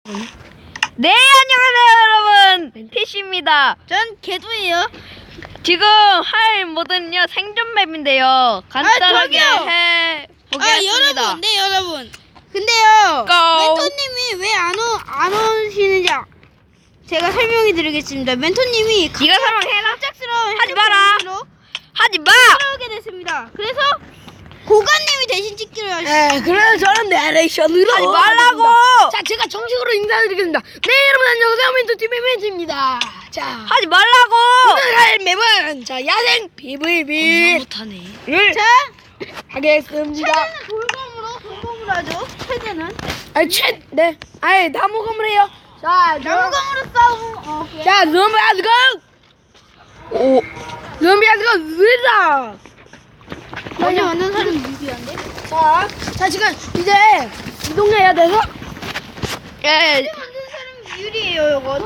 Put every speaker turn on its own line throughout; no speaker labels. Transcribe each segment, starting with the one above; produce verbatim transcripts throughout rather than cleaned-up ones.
네, 안녕하세요 여러분, 피씨입니다.
전 개도예요.
지금 할 모드는요 생존 맵인데요. 간단하게
아,
해보겠습니다.
아 여러분, 네 여러분. 근데요,
Go.
멘토님이 왜 안 안 오시는지 아- 제가 설명해 드리겠습니다. 멘토님이
네가 설명해라.
갑작스러운
하지 마라.
로
하지 마.
돌아오게 됐습니다. 그래서 고관님이 대신 찍기로 하셨어요.
네, 그래서 저는 내레이션으로
하지 말라고.
하겠습니다. 자, 제가 정식으로 인사드리겠습니다. 네, 여러분 안녕하세요. 멘토티비 멘트입니다. 자,
하지 말라고.
오늘 할 맵은 자 야생 피브이비를
못하네.
자,
하겠습니다.
최대는 돌검으로 돌검으로 하죠. 최대는
아, 최, 네, 아예 나무 건물이에요. 자, 저-
나무검으로 싸움. 어, 오케이.
자, 좀비 아스고, 오, 좀비 아스고, 으다.
먼저 만든 사람이 유리한데?
자, 자 지금 이제 이동해야 돼서.
예.
먼저 만든 사람이 유리해요, 이거.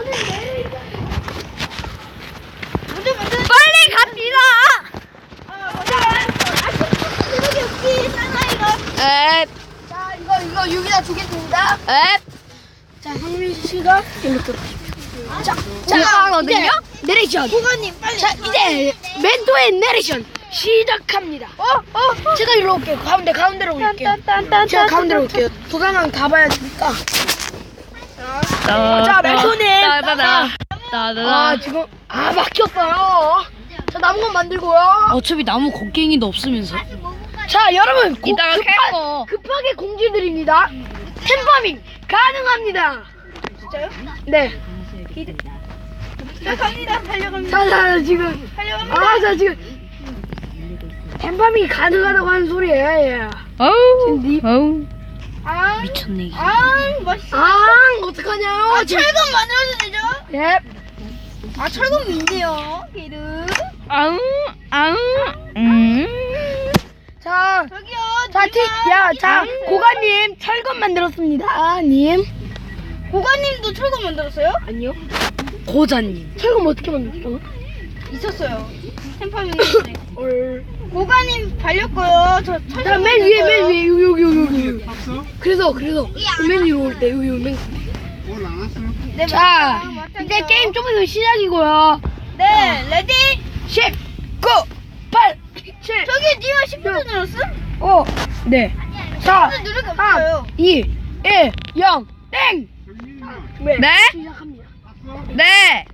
먼저 만든
빨리 갑시다.
아, 먼저 만든 여기 없지, 사나이가.
에,
자, 이거 이거 여기다 두겠습니다.
에.
자, 황민 씨가 일로 또. 자,
올라가거든요?
이제 내레이션.
고관님, 빨리.
자, 이제 멘토의 내레이션 시작합니다.
어, 어, 어.
제가 일로 올게요. 가운데 가운데로 올게요.
딴딴딴딴.
제가 가운데로 올게요. 도장은 가봐야 되니까.
자,
자, 멘토님.
따다다. 따다다.
아, 지금 아 막혔어요. 자, 나무건 만들고요.
어차피 나무 곡괭이도 없으면서.
자, 여러분 고,
이따가 캘
급하,
거.
급하게 공지드립니다. 템파밍 가능합니다.
진짜요?
네.
자, 갑니다. 달려갑니다.
자, 자, 지금
달려갑니다.
아, 자, 지금 템파밍이 가능하다고 하는 소리예요. 예.
어우,
니-
어우,
아,
미쳤네. 이게.
아, 맛있어.
아, 어떡하냐요?
아,
지금-
철검 만들어도 되죠?
예.
아, 철검이 있네요. 게르.
아웅, 아웅, 음.
자,
저기요.
자, 티, 야, 자, 고가님 철검 만들었습니다. 님.
고관님도 철검 만들었어요?
아니요. 고자님. 철검 어떻게 만들었어?
있었어요. 템파밍 있었네.
얼.
고관님 발렸고요. 저 철검.
자, 맨 위에, 맨
만들었어요.
위에, 여기, 여기, 여기, 여기. 그래서, 그래서, 맨 위로 올 때, 여기, 맨.
네,
자,
맞아요. 맞아요.
이제 게임 좀 있으면 시작이고요.
네, 레디.
십, 구, 팔, 칠,
저기 니가 십 분 눌렀음?
오, 네. 사,
십 분 누를 게
삼,
없어요.
이, 일, 영, 땡!
네?
시작합니다.
네.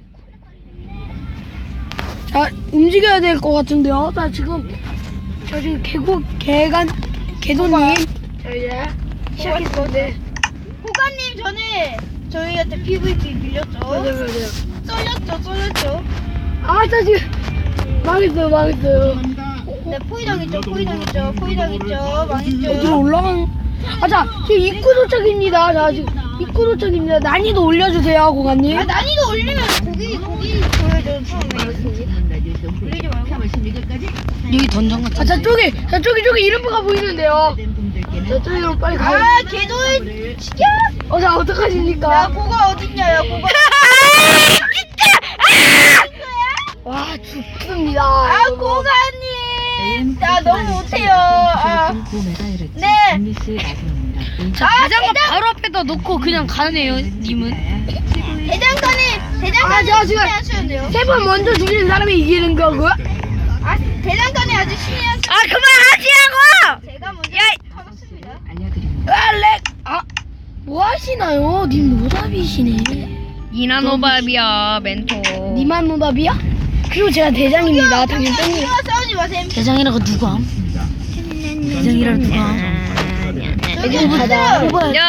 자, 움직여야 될 것 같은데요. 자, 지금, 저 지금 개고, 개간, 개도님. 자, 이제, 시작했어. 네.
고관님 전에 저희한테 피브이피 밀렸죠?
맞아요, 맞아요.
쏠렸죠, 쏠렸죠?
아, 자, 지금, 망했어요, 망했어요.
네, 포위당했죠, 포위당했죠, 포위당했죠, 망했죠.
어디로 올라간, 아, 자, 지금 입구 도착입니다. 자, 지금, 입구 도착입니다. 난이도 올려주세요, 고관님.
아, 난이도 올리면 고기, 고기 보여줘, 처음에. 올리지 말고.
여기 던전 같은.
아, 자, 저기, 자, 저기, 저기 이름표가 보이는데요. 자, 저기로 빨리 가요.
아, 개도의 진짜?
어, 자,
야,
어떡하십니까?
고가 어딨냐, 야, 고가.
와, 죽습니다.
아,
여러분.
고가님. 나 너무 못해요. 아, 네.
자,
아,
대장갑
대장-
바로 앞에다 놓고 그냥 가네요, 님은.
대장간에,
아,
대장간에
자, 지금
신의 하셔야 돼요.
세 번 먼저 죽이는 사람이 이기는 거고요.
아, 대장간에 아주 신의 하셔야
아, 그만하시라고!
제가 먼저
야,
하겠습니다.
아, 렉! 아, 뭐 하시나요? 님 노답이시네.
이나노밥이야, 멘토.
니만 노답이야? 그리고 제가 대장입니다. 당연히 땡이.
저기요, 사우지 마세요.
대장이라고 누가 함? 대장이라고 누가 함?
애들 받아.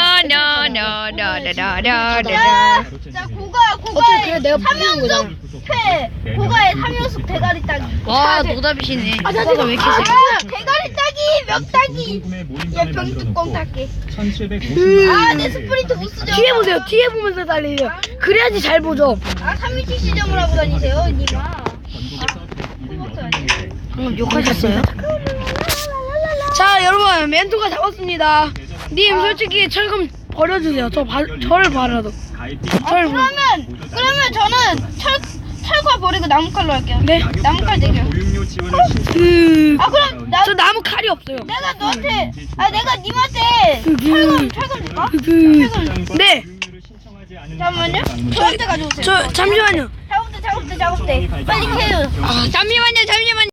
냐냐냐냐냐냐냐.
자, 자, 고가,
어차피
고가의
그래, 내가 부르는 거잖아.
삼연속 패, 고가의 삼연속 대가리 따기.
와, 노답이시네.
아, 자,
오빠가 왜 이렇게
아,
세?
대가리 따기, 멱 따기. 야, 병뚜껑 따기.
음.
아, 내 스프린트 못 쓰죠.
뒤에 보세요. 뒤에 보면서 달리세요. 그래야지 잘 보죠.
아, 삼일치 시점을 하고 다니세요, 니마. 호박도 아니에요.
방금 욕하셨어요?
자, 여러분, 멘토가 잡았습니다. 님, 솔직히 철검 버려주세요. 저 바, 저를 봐라도.
아,
저를 봐.
그러면, 그러면 저는 철, 철과 버리고 나무칼로 할게요.
네.
나무칼 대결.
그,
아, 그럼 나,
저 나무 칼이 없어요.
내가 너한테, 아, 내가 님한테 철검, 철검 줄까?
그, 네.
잠깐만요. 저한테 가져오세요.
저 잠시만요.
작업대 작업대 작업대. 빨리 캐요.
아,
잠시만요 잠시만요.